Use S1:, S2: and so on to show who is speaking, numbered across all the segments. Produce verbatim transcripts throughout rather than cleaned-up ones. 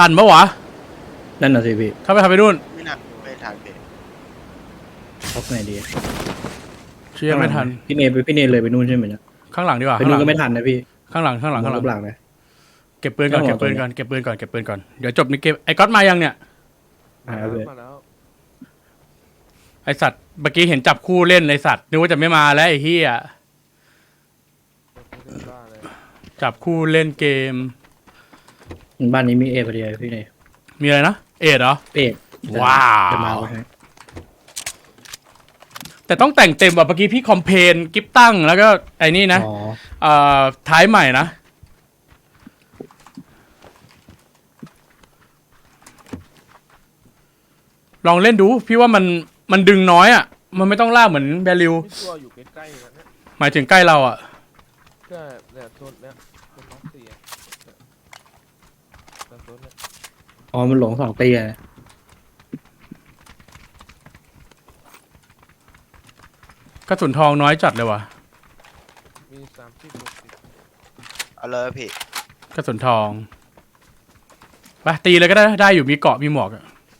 S1: ทันปะวะ
S2: นั่นน่ะสิพี่
S1: ถ้าไปทำไปนู่น
S3: ไม่น่าไม่ทันพี่
S2: ท็อปไงดี
S1: เชื่อไม่ทัน
S2: พี่เนยพี่เนยเลยไปนู่นใช่ไหมเนี่ย
S1: ข้างหลังดีกว่า
S2: ไปนู่นก็ไม่ทันนะพี่
S1: ข้างหลังข้างหลังข้างหลัง
S2: หลังนะ
S1: เก็บปืนก่อนเก็บปืนก่อนเก็บปืนก่อนเก็บปืนก่อนเดี๋ยวจบในเกมไอ้ก๊อตมายังเนี่ย
S2: มา
S4: แล้ว
S1: ไอสัตว์เมื่อกี้เห็นจับคู่เล่นไอสัตว์นึกว่าจะไม่มาแล้วไอ้เหี้ยจับคู่เล่นเกม
S2: บ้านนี้มีเอพอดีพี่เนย
S1: มีอะไรนะเอ็ดเหรอ
S2: เอ็ด
S1: ว้าวแต่ต้องแต่งเต็มแบบเมื่อกี้พี่คอมเพนกิฟตั้งแล้วก็ไอ้นี่นะเอ่อท้ายใหม่นะลองเล่นดูพี่ว่ามันมันดึงน้อยอ่ะมันไม่ต้องล่าเหมือนแบลิว
S4: ตัวอยู่ใกล้ๆกันเนี่ย
S1: หมายถึงใกล้เราอ่ะ
S4: ก็เนี่ยโซนเนี้ยโซนน้องสี่โซนเนี้ย
S2: อ๋อมันหลงสองตีอ่ะ
S1: กระสุนทองน้อยจัดเลยว่ะ
S4: มีสามสิบหกสิบ
S3: เอาเลยพี่
S1: กระสุนทองไปตีเลยก็ได้ได้อยู่มีเกาะมีหมวก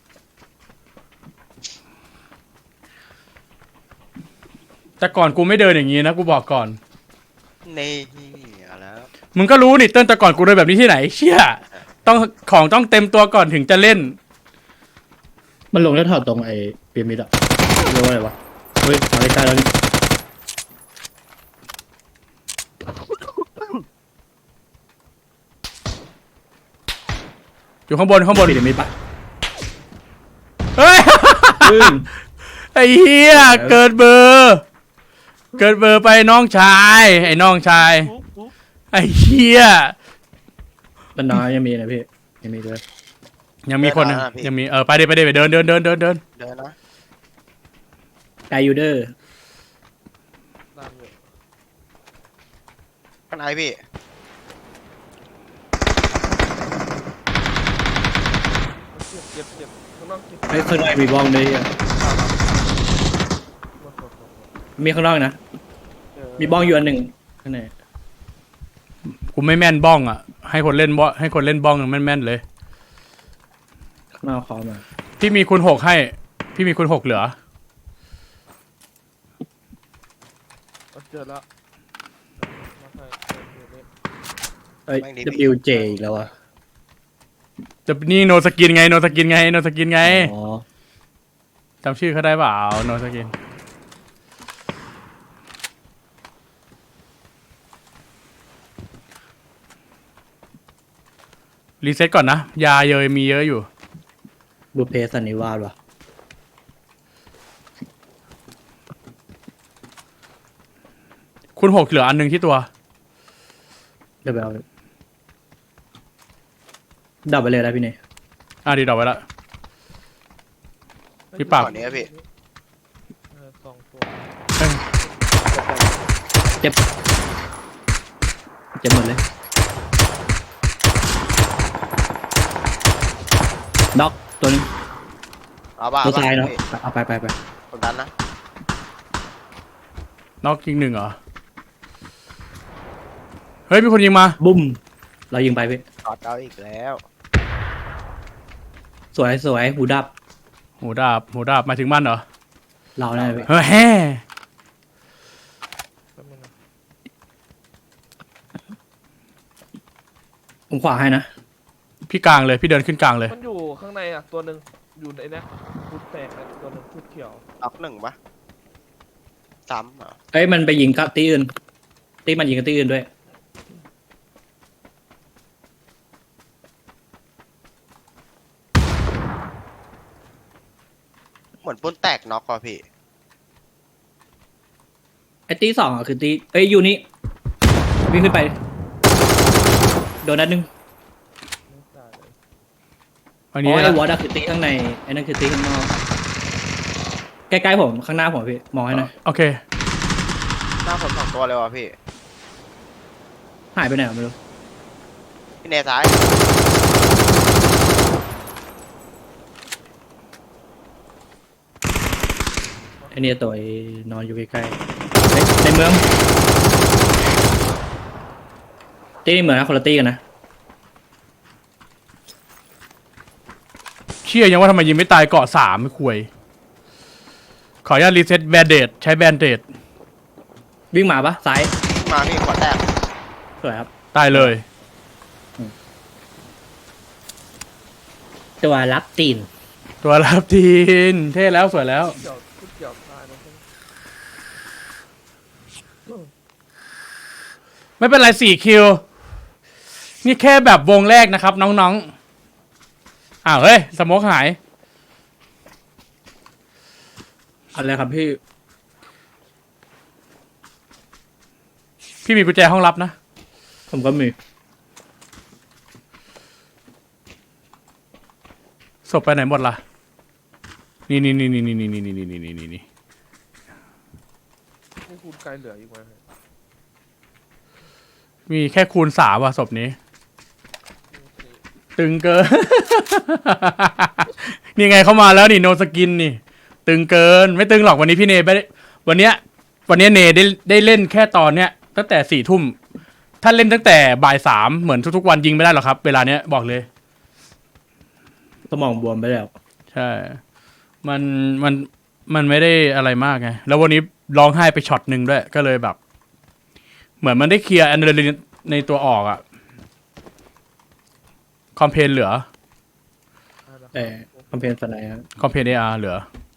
S1: แต่ก่อนกูไม่เดินอย่างนี้นะกูบอกก่อน
S3: นี่เอาแล้ว
S1: มึงก็รู้นี่เต้นแต่ก่อนกูเดินแบบนี้ที่ไหนเชี่ยต้องของต้องเต็มตัวก่อนถึงจะเล่น
S2: มันลงแล้วถอดตรงไอ้เปียมิดอะเรียกว่าอะไรวะเฮ้ยมาใกล้ๆแล้วนี่
S1: อยู่ข้างบนข้างบน
S2: เปียมิดปะ
S1: เฮ้ยไอ้เหี้ยเกิดเบอร์เกิดเบอร์ไปน้องชายไอ้น้องชายไอ้เหี้ย
S2: มันน้อยยังมีนะพี่ยังมีด้วย
S1: ยังมีคนนะยังมีเออไปเดินไปเดินไปเดินเดินเดินเดินเดิน
S3: เดินนะ
S2: ไกยูเดอร์
S3: ข้างในพี่
S4: เจ็บเจ็บข้างนอกเจ็บ
S2: ไอ้ข้างในมีบ้องด้วยมีข้างนอกนะมีบ้องอยู่อันหนึ่งข้างใน
S1: กูไม่แม่นบ้องอ่ะให้คนเล่นบ้องให้คนเล่นบ้องแม่นแม่นเลย
S2: ข้างนอกคอมา
S1: พี่มีคุณหกให้พี่มีคุณหกเหลือ
S4: เจอแล้ว
S2: เอ้ย ดับเบิลยู เจ อีกแล้วอ่ะ
S1: จะนี่โนสกินไงโนสกินไงโนสกินไง
S2: อ๋อ
S1: จำชื่อเขาได้เปล่าโนสกินรีเซ็ตก่อนนะยาเยยมีเยอะอยู่
S2: บุพเพสันนิวาสว่ะ
S1: คุณหกเหลืออันหนึ่งที่ตัว
S2: เดี๋ยวไปเอาดับไปเลยนะพี่เนย
S1: อ่ะดีดับไว้ละพี่ปาก
S3: นี้พี่
S4: สองตัว
S2: เจ็บเจ็บหมดเลยน็อกตัวนึง
S3: เอาบ้า
S2: ตัวซ้ายเนาะเอาไปไปไป
S3: กดดันนะ
S1: น็อกยิงหนึ่งเหรอเฮ้ยมีคนยิงมา
S2: บุ้มเรายิงไปพี่
S3: ตอดเอาอีกแล้ว
S2: สวยสวยหูดับ
S1: หูดาบหูดาบมาถึงมันเหรอ
S2: เราได้พี่
S1: เฮ้ยแฮ่
S2: ผมขวาให้นะ
S1: พี่กลางเลยพี่เดินขึ้นกลางเลย
S4: มันอยู่ข้างในอ่ะตัวหนึ่งอยู่ในนี้ชุดแตกตัวหนึ่งชุดเขียว
S3: ออกหนึ่งปะซ้ำเหรอ
S2: เอ้ยมันไปยิงกับตีอื่นตีมันยิงกับตีอื่นด้วย
S3: เหมือนปุ้นแตกน็อกว่ะพี่
S2: ไอ้ตีสองอ่ะคือตีเอ้ยอยู่นี่วิ่งขึ้นไปโดนนัดนึง
S1: อัน
S2: นี้
S1: ไ
S2: อ้วอร์ดคือตีข้างในไอ้นั่นคือตีข้างนอกใกล้ๆผมข้างหน้าผมพี่มองให้หน่อย
S1: โอเค
S3: หน้าผมสองตัวเลยว่ะพี่
S2: หายไปไหนไม่รู้
S3: พี่เนยซ้าย
S2: ไอ้เนี่ยตัวนอนอยู่ใกล้ๆในเมืองตีเหมือนนะคนละตีกันนะ
S1: เชื่อยังว่าทำไมยิงไม่ตายเกาะสามไม่คุยขออนุญาตรีเซ็ตแบนเดดใช้แบนเดด
S2: วิ่งมาปะซ้าย
S3: มาพี่ขวดแตก
S2: สวยครับ
S1: ตายเลย
S2: ตัวรับตีน
S1: ตัวรับทีนเท่แล้วสวยแล้ว
S4: เกี่ยวชุดเกี่ยวตายแล้วใช่ไหม
S1: ไม่เป็นไรสี่คิว นี่แค่แบบวงแรกนะครับ น้องๆอ้าวเฮ้ยสโมกหาย
S2: อะไรครับพี่
S1: พี่มีกุญแจห้องลับนะ
S2: ผมก็มี
S1: ศพไปไหนหมดล่ะ นี่นี่นี่นี่นี่นี่นี่นี่นี่นี่นี่นี่
S4: นี่คูณไกลเหลืออีกไหม
S1: มีแค่คูณสามว่ะศพนี้ ตึงเกิน นี่ไงเข้ามาแล้วนี่โนสกินนี่ ตึงเกินไม่ตึงหรอกวันนี้พี่เนไม่ได้วันเนี้ย วันเนี้ยเนได้ได้เล่นแค่ตอนเนี้ยตั้งแต่สี่ทุ่มถ้าเล่นตั้งแต่บ่ายสามเหมือนทุกๆวันยิงไม่ได้หรอกครับ เวลาเนี้ยบอกเลย
S2: สมองบวมไปแล้ว
S1: ใช่ มันมันมันไม่ได้อะไรมากไงแล้ววันนี้ร้องไห้ไปช็อตหนึ่งด้วย ก็เลยแบบ เหมือนมันได้เคลียร์อะดรีนาลีนในตัวออกอะคอมเพนเหลือ
S2: แต่คอมเพนสไนครับ
S1: คอมเพนเออาร์เหลือ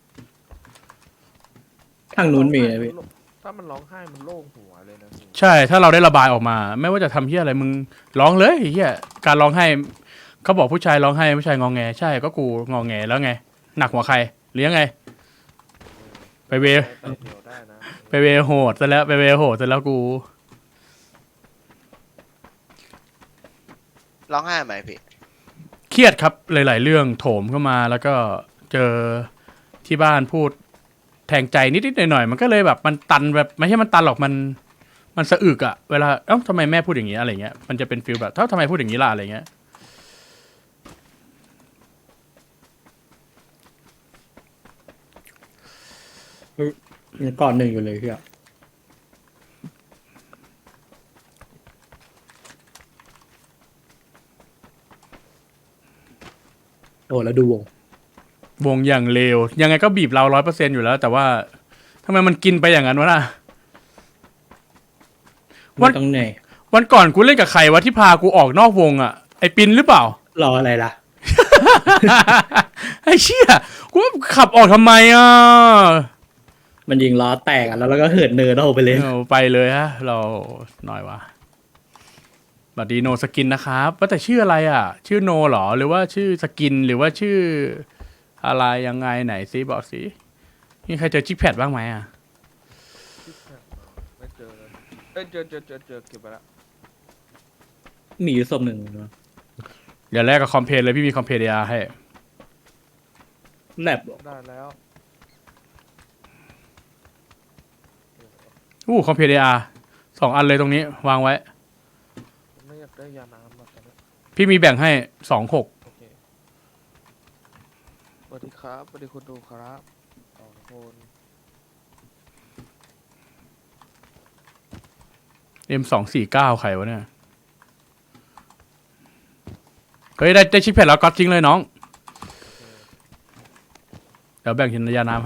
S2: ทางนู้นมีนะพี่
S4: ถ้ามันร้องไห้มันโล่งหัวเลยนะพี่
S1: ใช่ ถ้าเราได้ระบายออกมา ไม่ว่าจะทำเฮียอะไรมึงร้องเลยเฮียการร้องไห้เขาบอกผู้ชายร้องไห้ผู้ชายงองแงใช่ก็กูงองแงแล้วไง หนักหัวใครหรือยังไง ไปเว
S4: แต่เดียวได้นะ
S1: ไปเวโหดซะแล้วไปเวโหดซะแล้วกู
S3: ร้องไห้ไหมพี่
S1: เครียดครับหลาย ๆ เรื่องโถมเข้ามาแล้วก็เจอที่บ้านพูดแทงใจนิด ๆ หน่อย ๆ มันก็เลยแบบมันตันแบบไม่ใช่มันตันหรอกมันมันสะอึกอะเวลาเอ้าทำไมแม่พูดอย่างนี้อะไรเงี้ยมันจะเป็นฟีลแบบเอ้าทำไมพูดอย่างนี้ล่ะอะไรเงี้ย
S2: ยังก่อนหนึ่งอยู่เลยพี่อะโอ้แล้วดูวง
S1: วงอย่างเลวยังไงก็บีบเราร้อยเปอร์เซ็นอยู่แล้ว แต่ว่าทำไมมันกินไปอย่างนั้นวะน่ะ วั
S2: ไม่
S1: น
S2: ต้องเหนื่อย
S1: วันก่อนกูเล่นกับใครวะที่พากูออกนอกวงอะไอปินหรือเปล่า
S2: รออะไรล่ะ
S1: ไอเชี่ยกูขับออกทำไมอ่ะ
S2: มันยิงล้อแตกอ่ะแล้วเราก็เหินเนินเอาไปเลย
S1: เอาไปเลยฮะ เราหน่อยวะบัดดีโนสกินนะครับว่าแต่ชื่ออะไรอ่ะ ชื่อโนหรอหรือว่าชื่อสกินหรือว่าชื่ออะไรยังไงไหนซิบอกสิมีใครเจอจิกแพดบ้างไหมอ่ะ
S4: ไม่เจอเลยเอ้ยเจอเจอเจอเจอเก็บไปละ
S2: มีอยู่ศพหนึ่งนะ
S1: เดี๋ยวแรกกับคอมเพลเลยพี่มีคอมเพลเดียให้
S2: แลบ
S4: ได้แล้ว
S1: อู้คอมเพลเดียสองอันเลยตรงนี้วางไว้
S4: ไม่อยากได้ยาน้ำหรอกตอนนี้
S1: พี่มีแบ่งให้สองหก
S4: โอเคสวัสดีครับสวัสดีคุณดูครับสองคน
S1: เอ็มสองสี่เก้าใครวะเนี่ยเฮ้ยได้ได้ชิปแพดแล้วก็ทิ้งเลยน้อง เดี๋ยวแบ่งหินยาน้ำให้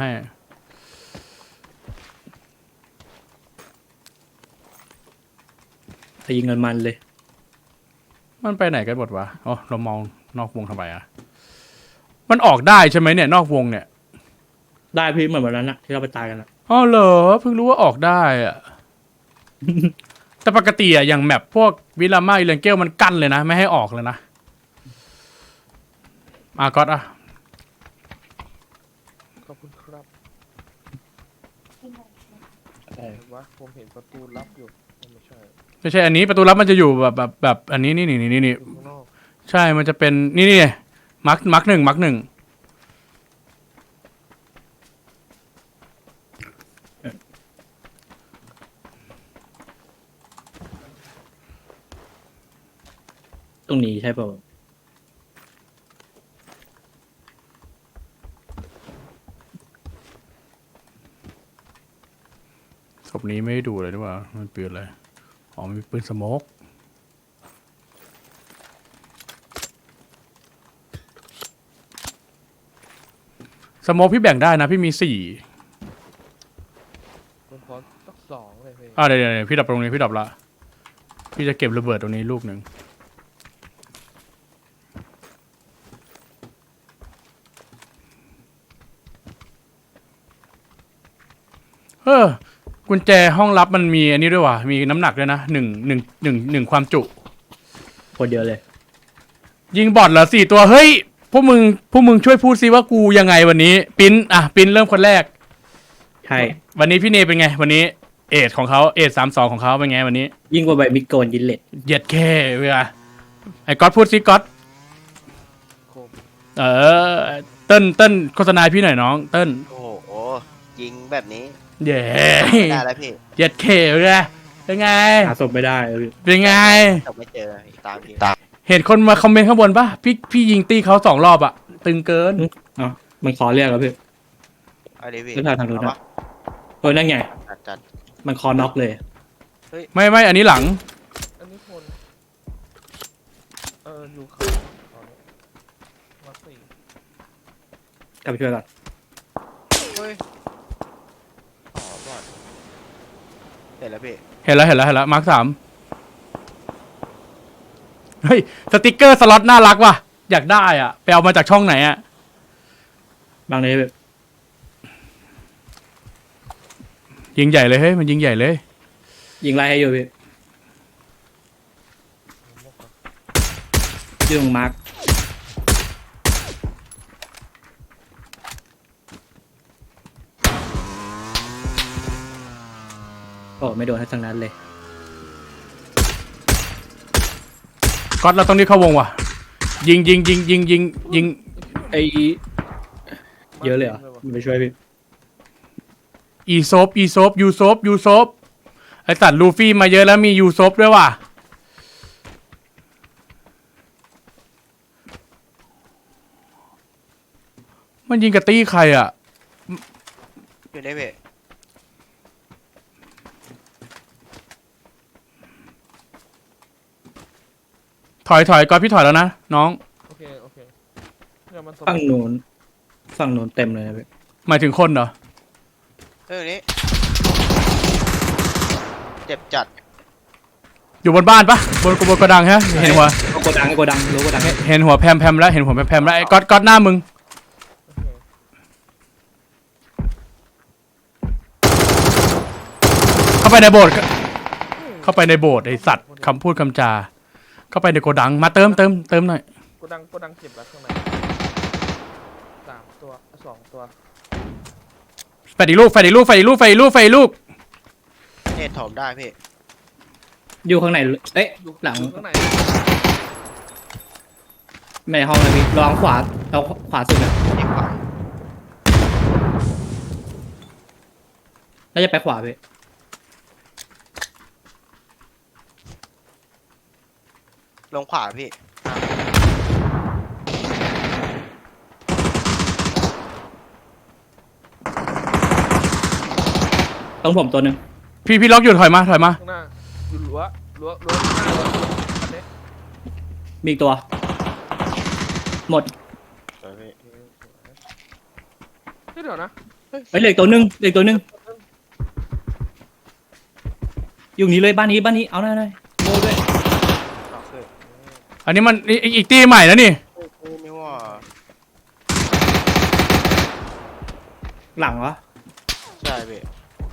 S2: ตีเงินมันเลย
S1: มันไปไหนกันหมดวะอ๋อเรามองนอกวงทำไมอ่ะ มันออกได้ใช่ไหมเนี่ยนอกวงเนี่ย
S2: ได้พี่เหมือนวันนั้นอะที่เราไปตายกันอะ
S1: อ๋อเหรอเพิ่งรู้ว่าออกได้อ่ะ แต่ปกติอ่ะอย่างแมปพวกวิลาม่าอิเลนเกลมันกั้นเลยนะ ไม่ให้ออกเลยนะอาก็อตอ่ะ
S4: ขอบคุณครับ
S2: เออ
S4: เห็นวะผมเห็นประตูลับอยู่ไม่ใช่
S1: ไม่ใช่อันนี้ประตูลับมันจะอยู่แบบแบบแบบอันนี้นี่นี่นี่นี่
S4: อยู่ข้างนอก
S1: ใช่มันจะเป็นนี่นี่มาร์คมาร์คหนึ่งมาร์คหนึ่ง
S2: ตรงนี้ใช่ป่าว
S1: ศพนี้ไม่ได้ดูเลยด้วยว่ามันปืนอะไรอ๋อมันเป็นปืนสโมกสโมกพี่แบ่งได้นะพี่มีสี่
S4: ผมขอสักสองเลยพี่
S1: อ่าเดี๋ยวเดี๋ยวพี่ดับตรงนี้พี่ดับละพี่จะเก็บระเบิดตรงนี้ลูกหนึ่งเออกุญแจห้องลับมันมีอันนี้ด้วยว่ะมีน้ำหนักด้วยนะหนึ่งหนึ่งหนึ่งหนึ่งความจุ
S2: คนเดียวเลย
S1: ยิงบอทเหรอสี่ตัวเฮ้ยพวกมึงพวกมึงช่วยพูดซิว่ากูยังไงวันนี้ปิ้นอ่ะปิ้นเริ่มคนแรก
S2: ใช่
S1: วันนี้พี่เนเป็นไงวันนี้เอทของเขาเอทสามสองของเขาเป็นไงวันนี้
S2: ยิ่งกว่าใบมิดโกนยินเล็ด
S1: เหยียดแค่เวลาไอ้ก๊อตพูดซิก๊อต
S4: โคม
S1: เออเติ้ลเติ้ลโฆษณาให้พี่หน่อยน้องเติ้ล
S3: โอ้โหยิงแบบนี้
S1: เย้
S3: ไม่ได้แล้วพี่
S1: เหยียดแค่เวลาเป็นไง
S2: หาศพไม่ได้เลย
S1: เป็นไง
S3: จบไม่เจอตามพี่ตาม
S1: เห็นคนมาคอมเมนต์ข้างบนปะพี่พี่ยิงตีเขาสองรอบอะตึงเกิน
S2: เอ๋อมันขอเรียกแล้วพี่
S3: เอาดิพี่
S2: เรื่องทางทางนู้น
S3: เอา
S2: นะ
S3: ปะ
S2: เออนั่นไง
S3: จัดจัด
S2: มันคอน็อกเลย
S1: ไม่ไม่อันนี้หลัง
S4: อันนี้คนเอออยู่เขาตอนนี้มาสี่
S2: กลับไปช่วยก่อน
S3: เฮ้ยอ๋อบอดเห็นแล้วพี่
S1: เห็นแล้วเห็นแล้วเห็นแล้วมาร์คสามเฮ้ยสติกเกอร์สล็อตน่ารักว่ะอยากได้อ่ะไปเอามาจากช่องไหนอ่ะ
S2: บางเลยแบบ
S1: ยิงใหญ่เลยเฮ้ยมันยิงใหญ่เลย
S2: ยิงไล่ให้อยู่พี่ยิงมาร์คโอ้ไม่โดนทั้งนั้นเลย
S1: ก๊อตเราต้องรีบเข้าวงว่ะยิงยิงยิงยิงยิงยิง
S2: ไอเยอะเลยเหรอมันไปช่วยพี่
S1: อีโซฟอีโซฟยูโซฟยูโซฟไอสัตว์ลูฟี่มาเยอะแล้วมียูโซฟด้วยว่ะมันยิงกระตี้ใครอ่ะ
S3: อยู่ในพี่
S1: ถอยถอยก๊อตพี่ถอยแล้วนะน้อง
S4: โอเคโอเคเนี่ยมันส
S2: ฝั่งนู้นฝั่งนู้นเต็มเลยนะพี่
S1: หมายถึงคนเหรอ
S3: เรื่องนี้เจ็บจัด
S1: อยู่บนบ้านปะบนบนกระดังฮะเห็นหัว
S2: โกดังโกดังรู้โกดัง
S1: เห็นเห็นหัวแพมแพมแล้วเห็นหัวแพมแพมแล้วไอ้ก๊อตก๊อตหน้ามึง
S4: โอเค
S1: เข้าไปในโบสถ์เข้าไปในโบสถ์ไอสัตว์คำพูดคำจา เข้าไปในโกดังมาเติมเติมเติมหน่อย
S4: โกดังโกดังเจ็บแล้วข้างในสามตัวสองตัว
S1: แฟดอีกลูกแฟดอีกลูกแฟดอีกลูกแฟดอีกลูกแฟดอีกลูก
S3: เนตถมได้พี่
S2: อยู่ข้างในเอ๊ะ
S4: อยู่
S2: หลัง
S4: อยู่ข้างใน
S2: ไม่ในห้องเลยพี่ระวังขวาเอาขวาสุดนะ
S3: เด็กขวา
S2: แล้วจะไปขวาพี่
S3: ลงขวาพี่
S2: ต้องผมตัวหนึ่ง
S1: พี่พี่ล็อกอยู่ถอยมาถอยมา
S4: ข้างหน้าอยู่รั้วรั้วรั้วข้างหน้ารั้วอันนี้
S2: มีอีกตัว หมด
S3: สวยพี่
S4: โอเคสวยเฮ้ยเดี๋ยวนะ
S2: เฮ้ยเหลืออกตัวหนึ่งเหลืออกตัวหนึ่งอยู่นี้เลยบ้านนี้บ้านนี้เอาหน่อยหน่อยโง่ด้วย
S3: ต่อคือ
S1: อันนี้มันอีกอีกอีกตีใหม่แล้วนี่
S3: เฮ้ยไม่ว่า
S2: หลังวะ
S3: ใช่พี่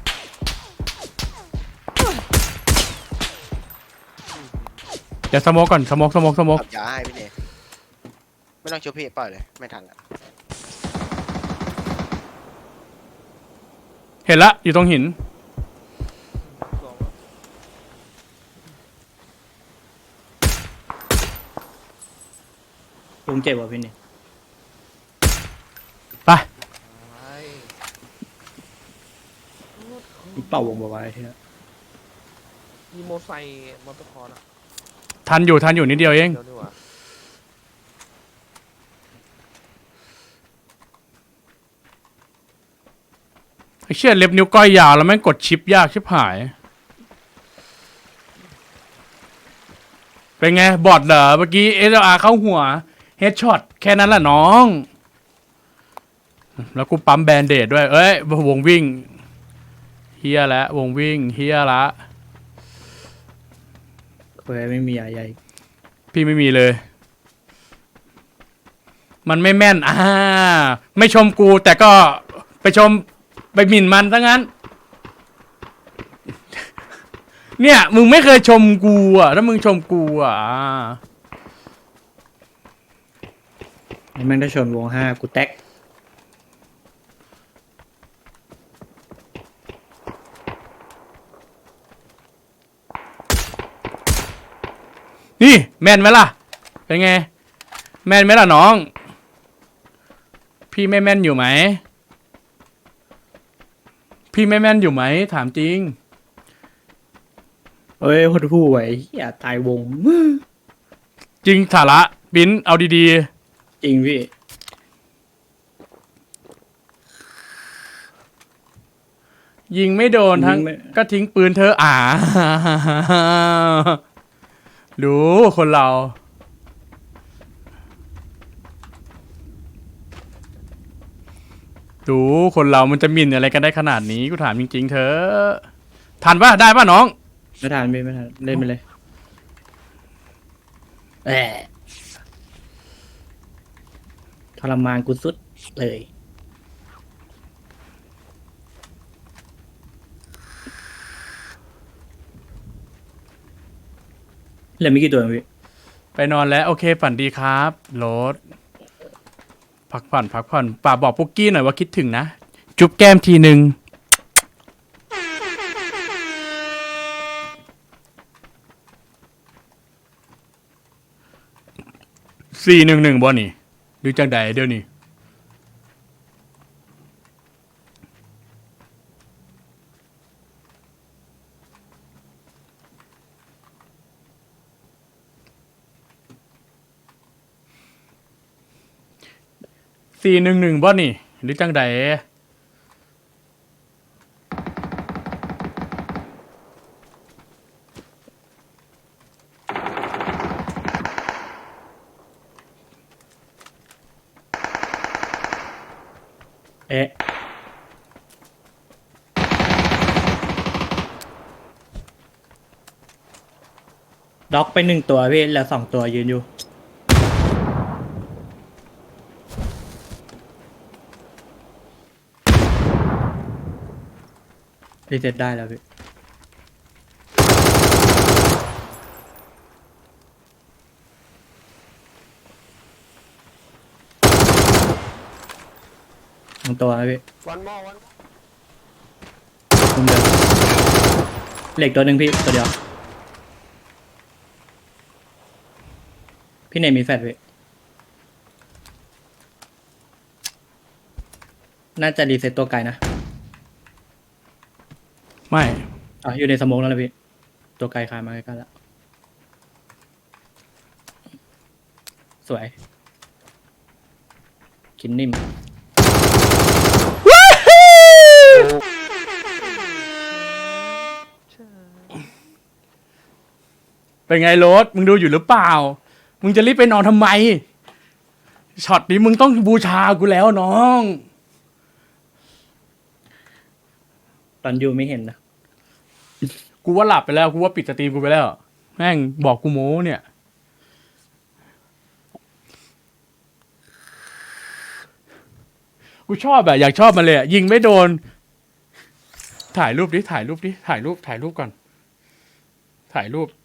S1: เดี๋ยวสโมกก่อนสโมกสโมกสโมก
S3: ขับยาให้พี่เนตไม่ต้องช่วยพี่ปล่อยเลยไม่ทันละ
S1: เห็นละอยู่ตรงหิน
S4: สอง
S2: ลุงเจ็บว่ะพี่นี่
S1: ไป
S4: ไป
S2: เป่าวงไว้ที่นั่น
S4: มีโมไซค์มอเตอร์คอร์นะ
S1: ทันอยู่ทันอยู่นิดเดียวเอง
S4: เดี๋ยวดีกว่า
S1: ไอ้เชี่ยเล็บนิ้วก้อยยาวแล้วแม่งกดชิปยากชิบหาย เป็นไงบอดเหรอเมื่อกี้เอสอาร์เข้าหัวเฮดช็อตแค่นั้นแหละน้องแล้วกูปั๊มแบนเดดด้วย เอ้ยวงวิ่งเฮียแล้ววงวิ่งเฮียละ
S2: เคยไม่มีอะไร
S1: พี่ไม่มีเลย มันไม่แม่นอ่าไม่ชมกูแต่ก็ไปชมไปหมิ่นมันซะงั้น เนี่ยมึงไม่เคยชมกูอ่ะถ้ามึงชมกูอ่ะ
S2: ไอ้แม่งได้ชนวงห้ากูแตก
S1: นี่แม่นไหมล่ะ เป็นไง แม่นไหมล่ะน้อง พี่ไม่แม่นอยู่ไหม พี่ไม่แม่นอยู่ไหมถามจริง
S2: เอ้ยหดหู่ไอ้เหี้ยตายวง
S1: จริงสาระบิ้นเอาดี
S2: จริงพี่
S1: ๆ ยิงไม่โดนทั้ง
S2: ยิงไม่
S1: ก็ทิ้งปืนเธออ่า ดูคนเรา ดูคนเรามันจะหมิ่นอะไรกันได้ขนาดนี้กูถามจริงๆเธอทันปะได้ปะน้อง
S2: ไม่ทันพี่ไม่ทันเล่นไปเลยแอะทรมานกูสุดเลยเหลือไม่กี่ตัวเองพี่
S1: ไปนอนแล้วโอเคฝันดีครับโรสพักผ่อนพักผ่อนป่ากบอกปุ๊กกี้หน่อยว่าคิดถึงนะ จุ๊บแก้มทีหนึ่งสี่หนึ่งหนึ่งบ่นี่ดูจังใดเดี๋ยวนี้สี่หนึ่งหนึ่งบ่นี่หรือจังใด
S2: เอ๊ะด็อกไปหนึ่งตัวพี่แล้วสองตัวยืนอยู่รีเซ็ตได้แล้วพี่สองตัวนะพี่
S3: วันมอวัน
S2: มุมเดิมเหล็กตัวหนึ่งพี่ตัวเดียว พี่เนมมีแฟดพี่น่าจะรีเซ็ตตัวไกลนะ
S1: ไม่
S2: อ๋ออยู่ในสโมองแล้วนะพี่ ตัวไกลคลายมาใกล้ๆแล้ว สวย กินนิ่ม
S1: เป็นไงโรสมึงดูอยู่หรือเปล่า มึงจะรีบไปนอนทำไมช็อตนี้มึงต้องบูชากูแล้วน้อง
S2: ตอนอยู่ไม่เห็นนะ
S1: กูว่าหลับไปแล้วกูว่าปิดสตรีมกูไปแล้วแม่งบอกกูโม้เนี่ยกูชอบแบบอยากชอบมันเลยอะยิงไม่โดน ถ่ายรูปดิถ่ายรูปดิถ่ายรูปถ่ายรูปก่อน ถ่ายรูป